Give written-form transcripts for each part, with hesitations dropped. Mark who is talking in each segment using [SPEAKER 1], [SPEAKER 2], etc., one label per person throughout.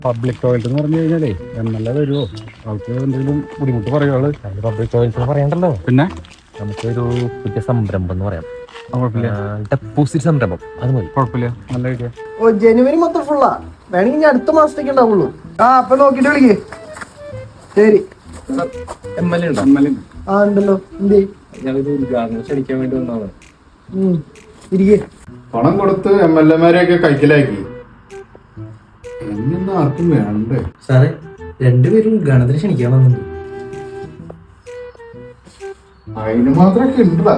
[SPEAKER 1] Public toilet എന്ന് പറഞ്ഞു കഴിഞ്ഞാലേ എന്നല്ല വരുമോ ആൾക്ക് എന്തെങ്കിലും ബുദ്ധിമുട്ട് പറയുവാള്.
[SPEAKER 2] പബ്ലിക് ടോയ്ലറ്റ് പറയണ്ടല്ലോ.
[SPEAKER 1] പിന്നെ
[SPEAKER 2] നമുക്കൊരു പുതിയ സംരംഭം എന്ന് പറയാം.
[SPEAKER 1] കുഴപ്പമില്ല,
[SPEAKER 2] ഡെപ്പോസിറ്റ് സംരംഭം. അത് മതി.
[SPEAKER 1] കുഴപ്പമില്ല, നല്ല ഐഡിയ.
[SPEAKER 3] ഓ ജനുവരി മൊത്തം ഫുള്ളാ. വേണമെങ്കിൽ അടുത്ത മാസത്തേക്ക് ഉണ്ടാവുള്ളൂ. അപ്പൊ നോക്കിട്ട് വിളിക്കേ. ശരി. ആ ഉണ്ടല്ലോ. എന്തേ
[SPEAKER 2] ക്ഷണിക്കാൻ വേണ്ടി വന്നതാണ്.
[SPEAKER 3] ഇരിക്കേ.
[SPEAKER 4] പണം കൊടുത്ത് MLA-മാരെയൊക്കെ കൈക്കലാക്കി. എന്നൊന്നും ആർക്കും വേണ്ടേ
[SPEAKER 5] സാറേ? രണ്ടുപേരും ഗണത്തിന് ക്ഷണിക്കാൻ വന്നുണ്ട്.
[SPEAKER 4] അതിന് മാത്രമൊക്കെ ഉണ്ടാ?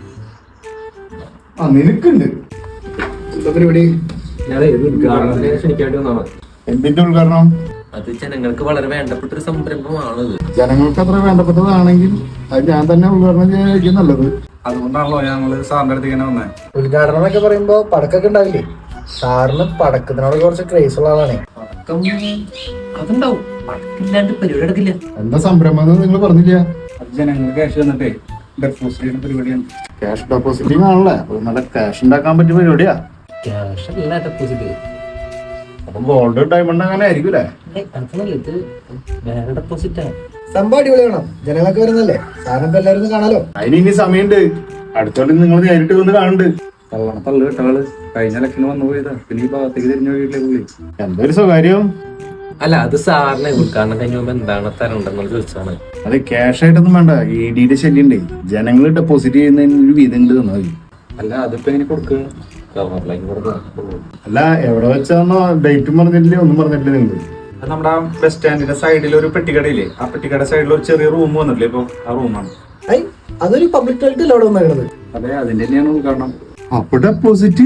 [SPEAKER 4] നിനക്കുണ്ട് എന്താ പരിപാടി?
[SPEAKER 2] ക്ഷണിക്കാൻ വേണ്ടി വന്നതാണ്.
[SPEAKER 4] എന്തിന്റെ ഉദ്ഘാടനം?
[SPEAKER 2] അത് ജനങ്ങൾക്ക് വളരെ വേണ്ടപ്പെട്ട ഒരു സംരംഭമാണത്.
[SPEAKER 4] ജനങ്ങൾക്ക് അത്ര വേണ്ടപ്പെട്ടതാണെങ്കിൽ അത് ഞാൻ തന്നെ ഉദ്ഘാടനം ചെയ്യാനായിരിക്കും നല്ലത്.
[SPEAKER 1] അതുകൊണ്ടാണല്ലോ ഞങ്ങള് സാറിന്റെ അടുത്ത് ഇങ്ങനെ വന്നേ.
[SPEAKER 3] ഉദ്ഘാടനം എന്നൊക്കെ പറയുമ്പോ പടക്കൊക്കെ ഉണ്ടാവില്ലേ? സാറിന് പടക്കത്തിനോട് കുറച്ച് ക്രേസ് ഉള്ള ആളാണേ.
[SPEAKER 2] അതുണ്ടാവും. പടക്കില്ലാണ്ട് പരിപാടി എടുക്കില്ല.
[SPEAKER 4] എന്താ സംരംഭം നിങ്ങൾ പറഞ്ഞില്ല?
[SPEAKER 1] ജനങ്ങൾ ക്യാഷ് തന്നിട്ടേ ഡെപ്പോസിറ്റ് ചെയ്യുന്ന പരിപാടിയാണ്.
[SPEAKER 4] ക്യാഷ് ഡെപ്പോസിറ്റിംഗ് ആണല്ലേ? അപ്പൊ നല്ല ക്യാഷ് ഉണ്ടാക്കാൻ പറ്റിയ പരിപാടിയാ.
[SPEAKER 2] ക്യാഷ് അല്ല ഡെപ്പോസിറ്റ്.
[SPEAKER 4] അപ്പം ഗോൾഡ് ഡയമണ്ട് അങ്ങനെ ആയിരിക്കും അല്ലേ?
[SPEAKER 2] അതല്ല, ഇത് വേറെ ഡെപ്പോസിറ്റാണ്.
[SPEAKER 3] സംഭവം അടിപൊളി വേണം. ജനങ്ങളൊക്കെ വരുന്നല്ലേ, സാറിനിപ്പോ എല്ലാവരും ഒന്ന് കാണാലോ.
[SPEAKER 4] അതിന് ഇനി സമയമുണ്ട്. അടുത്തോണ്ട് നിങ്ങൾ നേരിട്ട് വന്ന് കാണുന്നുണ്ട്.
[SPEAKER 1] തള്ളു കേട്ടാള് കഴിഞ്ഞ ലക്കിന് വന്നു പോയതാ. പിന്നെ ഈ ഭാഗത്തേക്ക് തിരിഞ്ഞു പോയില്ലേ പുള്ളി.
[SPEAKER 4] എന്തൊരു സ്വകാര്യം.
[SPEAKER 2] അല്ല, അത് സാറിനെ ഉദ്ഘാടനം കഴിഞ്ഞ മുമ്പ് എന്താണ് തരണ്ടെന്ന് ചോദിച്ചാണ്.
[SPEAKER 4] അത് ക്യാഷ് ആയിട്ടൊന്നും വേണ്ട. ED-യുടെ ശല്യം ഉണ്ടേ. ജനങ്ങൾ ഡെപ്പോസിറ്റ് ചെയ്യുന്നതിന് ഒരു വീതം ഉണ്ട് തന്നാൽ മതി.
[SPEAKER 1] അല്ല, അതിപ്പോ എങ്ങനെ കൊടുക്കുക?
[SPEAKER 4] അല്ല, എവിടെ വെച്ചാന്നോ ഡേറ്റും പറഞ്ഞിട്ടില്ലേ, ഒന്നും പറഞ്ഞിട്ടില്ലേ നിങ്ങൾ?
[SPEAKER 1] നമ്മുടെ ബസ് സ്റ്റാൻഡിന്റെ സൈഡിൽ ഒരു പെട്ടിക്കടയില്ലേ, ആ പെട്ടിക്കട സൈഡിൽ ഒരു ചെറിയ റൂം വന്നിട്ടില്ലേ, ഇപ്പൊ ആ റൂമാണ്.
[SPEAKER 3] അതൊരു പബ്ലിക് ടോയ്ലറ്റ് അല്ലേ അവിടെ വന്നേക്കണത്?
[SPEAKER 1] അതെ, അതിന്റെ തന്നെയാണ് ഉദ്ഘാടനം.
[SPEAKER 4] അപ്പൊ ഡെപ്പോസിറ്റ്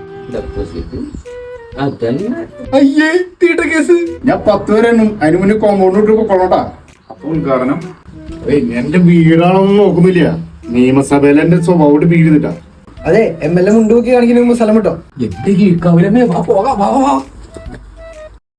[SPEAKER 4] അയ്യേ തീട്ട കേസ്. ഞാൻ 10 വരെ എണ്ണും. അതിന് മുന്നേ കോമ്പൗണ്ട് ഇട്ട് കൊള്ളോട്ടാ.
[SPEAKER 1] അപ്പൊ ഉദ്ഘാടനം
[SPEAKER 4] എന്റെ വീടാണോന്നും നോക്കുന്നില്ല. നിയമസഭയിൽ എന്റെ സ്വഭാവം വീട് ചെയ്തിട്ടാ.
[SPEAKER 3] അതെ, MLA മുണ്ടുപോക്കി കാണിക്കുന്ന സ്ഥലം കിട്ടോ?
[SPEAKER 2] എന്റെ കീഴ്ക്കാവിലമ്മേ, വാ പോകാം, വാ.